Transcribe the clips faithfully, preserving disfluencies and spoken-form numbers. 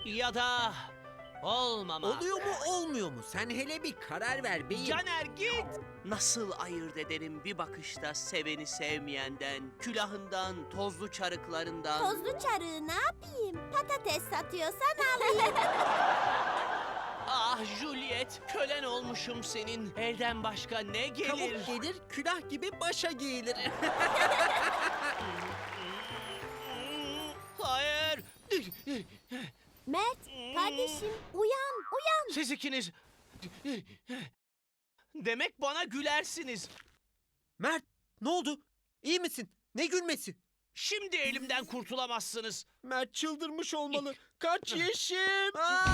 Ya da olmama. Oluyor mu olmuyor mu? Sen hele bir karar ver beyim. Caner git. Nasıl ayırt ederim bir bakışta seveni sevmeyenden, külahından, tozlu çarıklarından? Tozlu çarığı ne yapayım? Patates satıyorsan alayım. Ah Juliet, kölen olmuşum senin. Elden başka ne gelir? Kavuk gelir, külah gibi başa giyilir. Hayır. Mert, kardeşim uyan, uyan. Siz ikiniz. Demek bana gülersiniz. Mert, ne oldu? İyi misin? Ne gülmesi? Şimdi elimden kurtulamazsınız. Mert çıldırmış olmalı. Kaç Yeşim!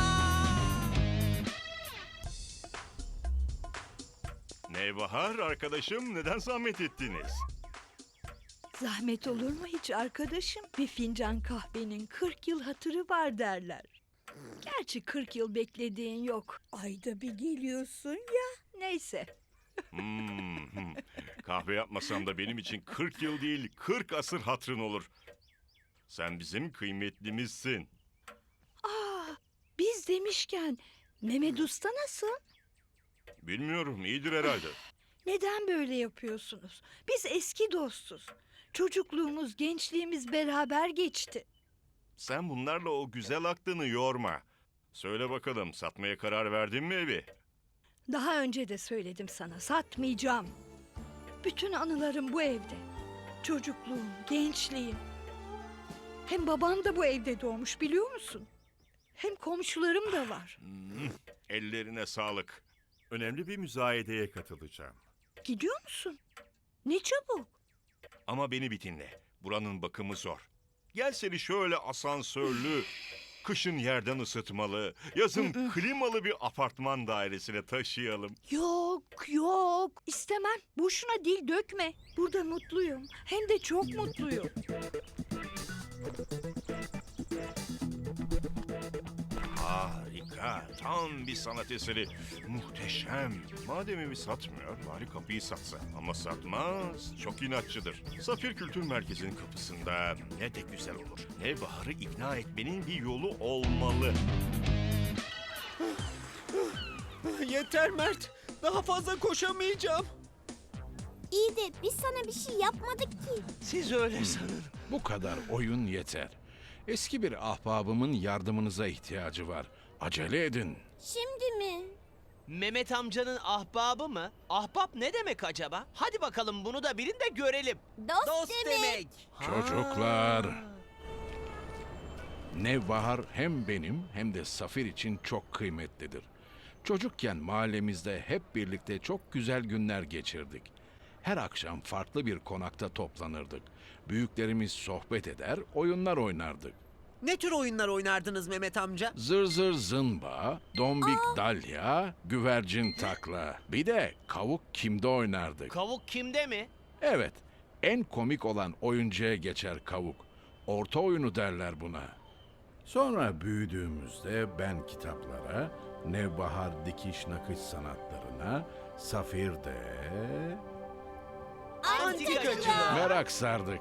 Nevbahar arkadaşım, neden zahmet ettiniz? Zahmet olur mu hiç arkadaşım? Bir fincan kahvenin kırk yıl hatırı var derler. Gerçi kırk yıl beklediğin yok. Ayda bir geliyorsun ya. Neyse. Hmm, hmm. Kahve yapmasam da benim için kırk yıl değil, kırk asır hatırın olur. Sen bizim kıymetlimizsin. Aa, biz demişken Mehmet Usta nasıl? Bilmiyorum, iyidir herhalde. Neden böyle yapıyorsunuz? Biz eski dostuz. Çocukluğumuz, gençliğimiz beraber geçti. Sen bunlarla o güzel aklını yorma. Söyle bakalım, satmaya karar verdin mi evi? Daha önce de söyledim sana, satmayacağım. Bütün anılarım bu evde. Çocukluğum, gençliğim. Hem babam da bu evde doğmuş biliyor musun? Hem komşularım da var. Hmm, ellerine sağlık. Önemli bir müzayedeye katılacağım. Gidiyor musun? Ne çabuk. Ama beni bir dinle. Buranın bakımı zor. Gel seni şöyle asansörlü, kışın yerden ısıtmalı, yazın klimalı bir apartman dairesine taşıyalım. Yok, yok. İstemem. Boşuna dil dökme. Burada mutluyum. Hem de çok mutluyum. Harika, tam bir sanat eseri. Muhteşem. Madem evi satmıyor, bari kapıyı satsa. Ama satmaz, çok inatçıdır. Safir Kültür Merkezi'nin kapısında ne de güzel olur. Nevbahar'ı ikna etmenin bir yolu olmalı. Yeter Mert. Daha fazla koşamayacağım. İyi de biz sana bir şey yapmadık ki. Siz öyle sanın. Bu kadar oyun yeter. Eski bir ahbabımın yardımınıza ihtiyacı var. Acele edin. Şimdi mi? Mehmet amcanın ahbabı mı? Ahbap ne demek acaba? Hadi bakalım bunu da bilin de görelim. Dost, Dost demek. demek. Çocuklar. Nevbahar hem benim hem de Safir için çok kıymetlidir. Çocukken mahallemizde hep birlikte çok güzel günler geçirdik. Her akşam farklı bir konakta toplanırdık. Büyüklerimiz sohbet eder, oyunlar oynardık. Ne tür oyunlar oynardınız Mehmet amca? Zır zır zımba, dombik dalya, güvercin takla. Bir de kavuk kimde oynardık. Kavuk kimde mi? Evet, en komik olan oyuncuya geçer kavuk. Orta oyunu derler buna. Sonra büyüdüğümüzde ben kitaplara, Nevbahar dikiş nakış sanatlarına, Safir de Antikacılar. merak sardık.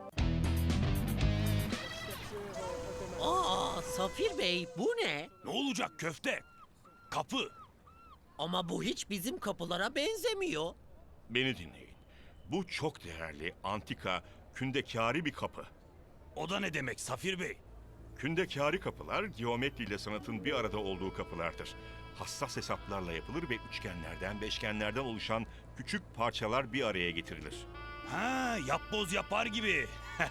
Aa Safir Bey bu ne? Ne olacak köfte? Kapı. Ama bu hiç bizim kapılara benzemiyor. Beni dinleyin. Bu çok değerli, antika, kündekâri bir kapı. O da ne demek Safir Bey? Kündekâri kapılar, geometri ile sanatın bir arada olduğu kapılardır. Hassas hesaplarla yapılır ve üçgenlerden, beşgenlerden oluşan küçük parçalar bir araya getirilir. Ha, yapboz yapar gibi.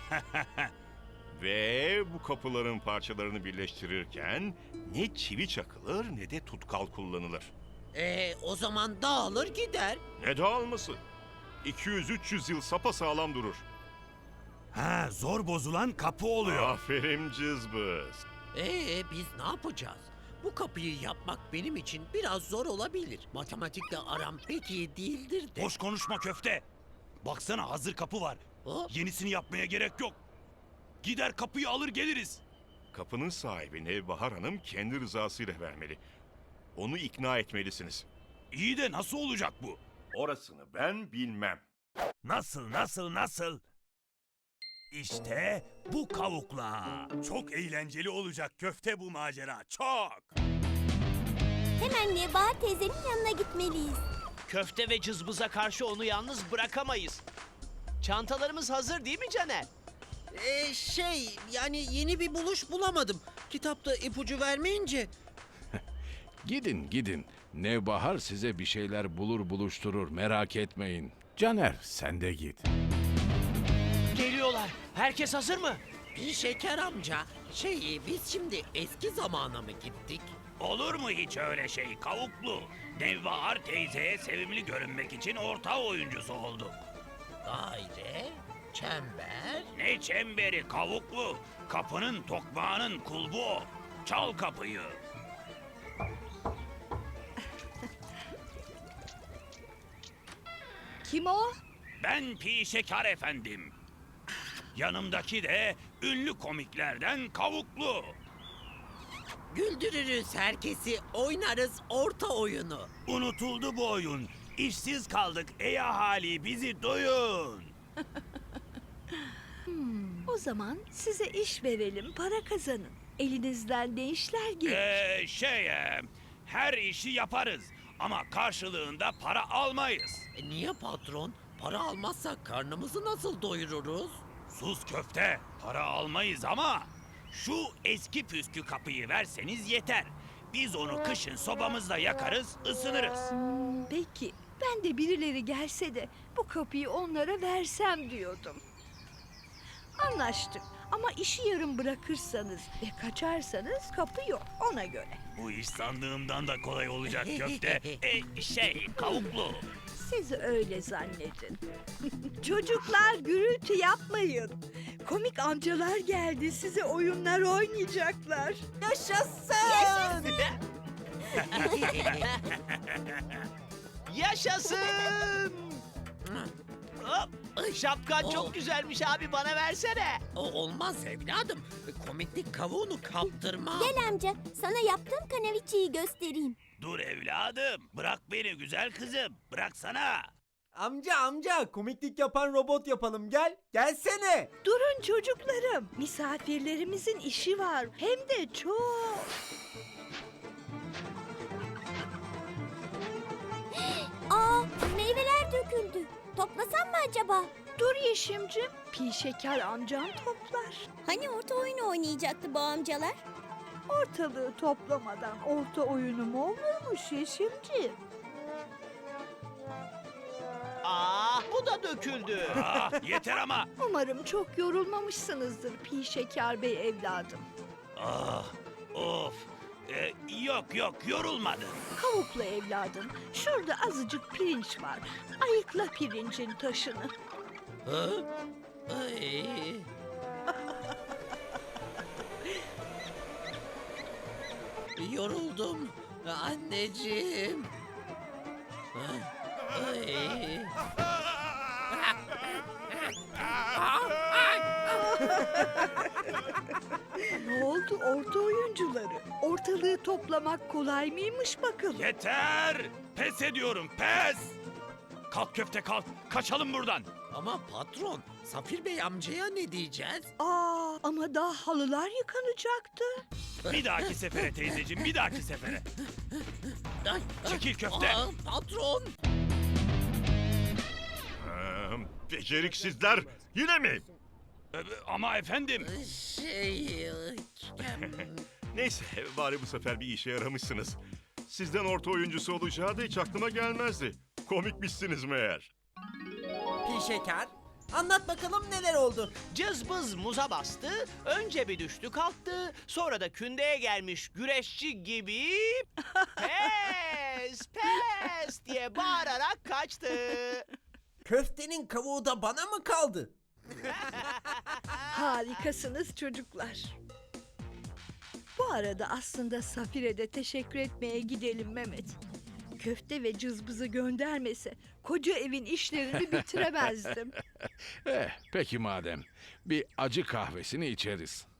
Ve bu kapıların parçalarını birleştirirken ne çivi çakılır ne de tutkal kullanılır. Ee o zaman dağılır gider. Ne dağılması? iki yüz üç yüz yıl sapasağlam durur. Ha, zor bozulan kapı oluyor. Aferin cızbız. Ee biz ne yapacağız? Bu kapıyı yapmak benim için biraz zor olabilir. Matematikle aram pek iyi değildir de. Boş konuşma köfte. Baksana hazır kapı var. Hop. Yenisini yapmaya gerek yok. Gider kapıyı alır geliriz. Kapının sahibi Nevbahar Hanım kendi rızasıyla vermeli. Onu ikna etmelisiniz. İyi de nasıl olacak bu? Orasını ben bilmem. Nasıl, nasıl, nasıl? İşte bu kavukla. Çok eğlenceli olacak köfte bu macera. Çok. Hemen Nebahar teyzenin yanına gitmeliyiz. Köfte ve cızbıza karşı onu yalnız bırakamayız. Çantalarımız hazır değil mi Caner? Ee, şey yani yeni bir buluş bulamadım. Kitapta ipucu vermeyince. Gidin gidin. Nevbahar size bir şeyler bulur buluşturur, merak etmeyin. Caner sen de git. Geliyorlar. Herkes hazır mı? Bir şeker amca. Şey biz şimdi eski zamana mı gittik? Olur mu hiç öyle şey kavuklu? Nevbahar teyzeye sevimli görünmek için orta oyuncusu olduk. Daire, çember. Ne çemberi kavuklu? Kapının tokmağının kulbu o. Çal kapıyı. Kim o? Ben Pi Şeker efendim. Yanımdaki de ünlü komiklerden kavuklu. Güldürürüz herkesi, oynarız orta oyunu. Unutuldu bu oyun. İşsiz kaldık ey ahali bizi duyun. O zaman size iş verelim, para kazanın. Elinizden ne işler gelir? Ee, şey e, her işi yaparız ama karşılığında para almayız. E, niye patron? Para almazsak karnımızı nasıl doyururuz? Sus köfte para almayız ama şu eski püskü kapıyı verseniz yeter. Biz onu kışın sobamızda yakarız ısınırız. Hmm, peki, ben de birileri gelse de bu kapıyı onlara versem diyordum. Anlaştık ama işi yarım bırakırsanız ve kaçarsanız kapı yok ona göre. Bu iş sandığımdan da kolay olacak köfte. E, şey kavuklu. Siz öyle zannedin. Çocuklar gürültü yapmayın. Komik amcalar geldi size oyunlar oynayacaklar. Yaşasın! Yaşasın! Hop! Şapkan Oo. çok güzelmiş abi bana versene. O olmaz evladım. Komiklik kavuğunu kaptırma. Gel amca, sana yaptığım kanaviçeyi göstereyim. Dur evladım bırak beni güzel kızım bıraksana. Amca amca komiklik yapan robot yapalım gel. Gelsene. Durun çocuklarım. Misafirlerimizin işi var. Hem de çok. Aa, meyveler döküldü. Toplasam mı acaba? Dur Yeşimcim. Pi şeker amcam toplar. Hani orta oyunu oynayacaktı bu amcalar? Ortalığı toplamadan orta oyunu mu olurmuş Yeşimciğim? Aa bu da döküldü. Ah, yeter ama. Umarım çok yorulmamışsınızdır Pi şeker bey evladım. Ah, of. Ee, yok yok yorulmadım. Kavuklu evladım. Şurada azıcık pirinç var. Ayıkla pirincin taşını. Hı? Ay. Yoruldum anneciğim. Ay. Ne oldu orta oyuncuları? Ortalığı toplamak kolay mıymış bakalım? Yeter. Pes ediyorum pes. Kalk köfte kalk. Kaçalım buradan. Ama patron, Safir Bey amcaya ne diyeceğiz? Aa, ama daha halılar yıkanacaktı. Bir dahaki sefere teyzeciğim bir dahaki sefere. Ay, Çekil köfte. Aa, patron. Ee, beceriksizler yine mi? Ee, ama efendim. Şey... Neyse bari bu sefer bir işe yaramışsınız. Sizden orta oyuncusu olacağı da hiç aklıma gelmezdi. Komikmişsiniz meğer. Pi şeker. Anlat bakalım neler oldu. Cızbız muza bastı, önce bir düştü kalktı, sonra da kündeye gelmiş güreşçi gibi pes pes diye bağırarak kaçtı. Köftenin kavuğu da bana mı kaldı? Harikasınız çocuklar. Bu arada aslında Safir'e de teşekkür etmeye gidelim Mehmet. Köfte ve cızbızı göndermese koca evin işlerini bitiremezdim. Eh, peki madem. Bir acı kahvesini içeriz.